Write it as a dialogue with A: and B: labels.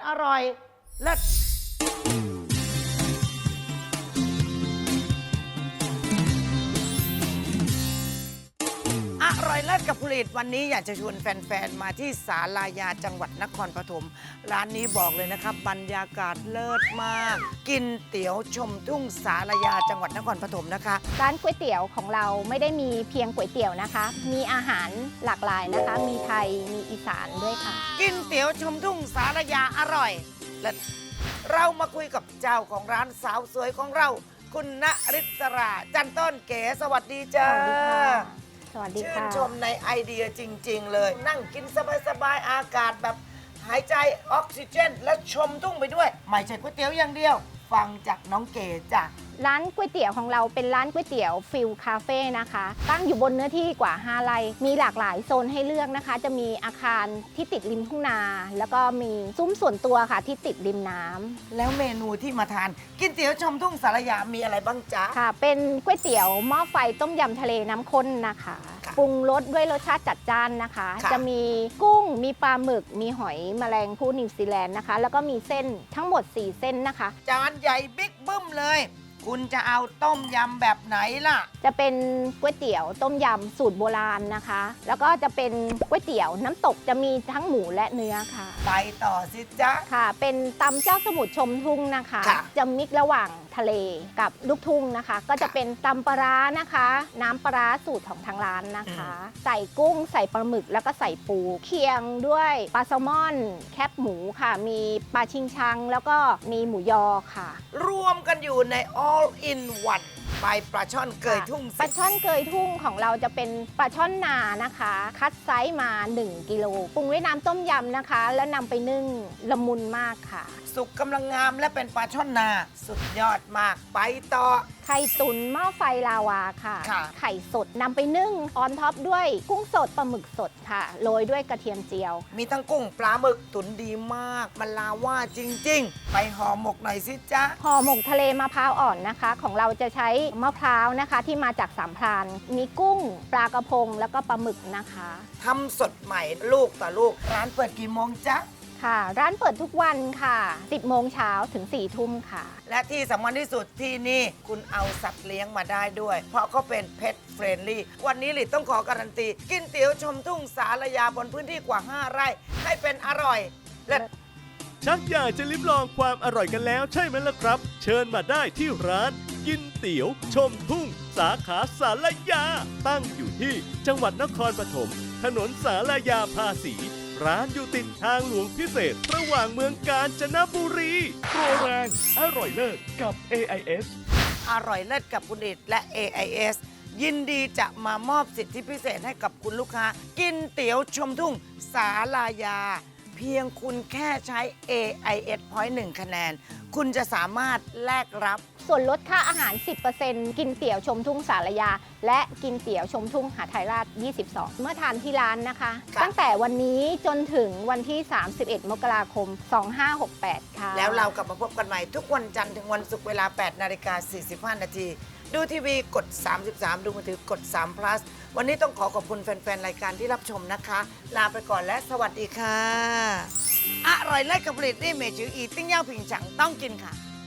A: อร่อยเลิศอร่อยเลิศกับผลิตวันนี้อยากจะชวนแฟนๆมาที่ศาลายาจังหวัดนครปฐมร้านนี้บอกเลยนะครับบรรยากาศเลิศมากกินเตี๋ยวชมทุ่งศาลายาจังหวัดนครปฐมนะคะ
B: ร้านก๋วยเตี๋ยวของเราไม่ได้มีเพียงก๋วยเตี๋ยวนะคะมีอาหารหลากหลายนะคะมีไทยมีอีสานด้วยค่ะ
A: กินเตี๋ยวชมทุ่งศาลายาอร่อยเลิศเรามาคุยกับเจ้าของร้านสาวสวยของเราคุณณฤศราจันต้นเก๋สวัสดีจ้า
B: สวัสดีค่ะ
A: ชื่นชมในไอเดียจริงๆเลยนั่งกินสบายๆอากาศแบบหายใจออกซิเจนและชมทุ่งไปด้วยไม่ใช่ก๋วยเตี๋ยวอย่างเดียวฟังจากน้องเก๋จ้ะ
B: ร้านก๋วยเตี๋ยวของเราเป็นร้านก๋วยเตี๋ยวฟิลคาเฟ่นะคะตั้งอยู่บนเนื้อที่กว่า5 ไร่มีหลากหลายโซนให้เลือกนะคะจะมีอาคารที่ติดริมทุ่งนาแล้วก็มีซุ้มส่วนตัวค่ะที่ติดริมน้ำ
A: แล้วเมนูที่มาทานกินเตี๋ยวชมทุ่งสารยามีอะไรบ้างจ๊ะ
B: ค่ะเป็นก๋วยเตี๋ยวหม้อไฟต้มยำทะเลน้ำข้นนะคะปรุงรสด้วยรสชาติจัดจ้านนะคะจะมีกุ้งมีปลาหมึกมีหอยแมลงภู่นิวซีแลนด์นะคะแล้วก็มีเส้นทั้งหมด4 เส้นนะคะ
A: จานใหญ่บิ๊กบึ้มเลยคุณจะเอาต้มยำแบบไหนล่ะ
B: จะเป็นก๋วยเตี๋ยวต้มยำสูตรโบราณนะคะแล้วก็จะเป็นก๋วยเตี๋ยวน้ำตกจะมีทั้งหมูและเนื้อค่ะ
A: ไปต่อสิจ๊ะ
B: ค่ะเป็นตำเจ้าสมุทรชมทุ่งนะคะจะมิกระหว่างทะเลกับลูกทุ่งนะคะก็จะเป็นตำปลาร้านะคะน้ำปลาร้าสูตรของทางร้านนะคะใส่กุ้งใส่ปลาหมึกแล้วก็ใส่ปูเคียงด้วยปลาแซลมอนแคบหมูค่ะมีปลาชิงชังแล้วก็มีหมูยอค่ะ
A: รวมกันอยู่ใน all in one ไปปลาช่อนเกยทุ่ง
B: ปลาช่อนเกยทุ่งของเราจะเป็นปลาช่อนนานะคะคัดไซส์มา1 กิโลปรุงด้วยน้ำต้มยำนะคะแล้วนำไปนึ่งละมุนมากค่ะ
A: สุกกำลังงามและเป็นปลาช่อนนาสุดยอดมากไปต่อ
B: ไข่ตุ๋นหม้อไฟลาวาค่ะไข่สดนำไปนึ่งออนท็อปด้วยกุ้งสดปลาหมึกสดค่ะโรยด้วยกระเทียมเจียว
A: มีทั้งกุ้งปลาหมึกตุ๋นดีมากมันลาว่าจริงๆไปห่อหมกหน่อยสิจ๊ะ
B: ห่อหมกทะเลมะพร้าวอ่อนนะคะของเราจะใช้มะพร้าวนะคะที่มาจากสามพรานมีกุ้งปลากระพงแล้วก็ปลาหมึกนะคะ
A: ทำสดใหม่ลูกต่อลูกร้านเปิดกี่โมงจ๊ะ
B: ค่ะร้านเปิดทุกวันค่ะ10 โมงเช้าถึง4 ทุ่มค่ะ
A: และที่สำคัญที่สุดที่นี่คุณเอาสัตว์เลี้ยงมาได้ด้วยเพราะเขาเป็นเพ t เฟรนลี่วันนี้หลิต้องขอการันตีกินเตี๋ยวชมทุ่งสารยาบนพื้นที่กว่า5 ไร่ให้เป็นอร่อยและ
C: ชักอยากจะลิ้มลองความอร่อยกันแล้วใช่ไหมล่ะครับ เชิญมาได้ที่ร้านกินเตี๋ยวชมทุ่งสาขาสารยาตั้งอยู่ที่จังหวัดนครปฐมถนนสารยาภาษีร้านอยู่ติดทางหลวงพิเศษระหว่างเมืองกาญจนบุรีโปรแรงอร่อยเลิศกับ AIS
A: อร่อยเลิศกับคุณอิดและ AIS ยินดีจะมามอบสิทธิพิเศษให้กับคุณลูกค้ากินเตี๋ยวชมทุ่งสาลายาเพียงคุณแค่ใช้ AIS Point 1 คะแนนคุณจะสามารถแลกรับ
B: ส่วนลดค่าอาหาร 10% กินเตี๋ยวชมทุ่งสารยาและกินเตี๋ยวชมทุ่งหาไทยราช 22 เมื่อทานที่ร้านนะคะตั้งแต่วันนี้จนถึงวันที่ 31 มกราคม 2568 ค่ะ
A: แล้วเรากลับมาพบกันใหม่ทุกวันจันทร์ถึงวันศุกร์เวลา 8:45 น.ดูทีวีกด 33 ดูมือถือกด3 plus วันนี้ต้องขอบคุณแฟนๆรายการที่รับชมนะคะลาไปก่อนและสวัสดีค่ะอร่อยเลิศกับผลิตนี่เมจืออีติ้งย่างผิงฉังต้องกินค่ะ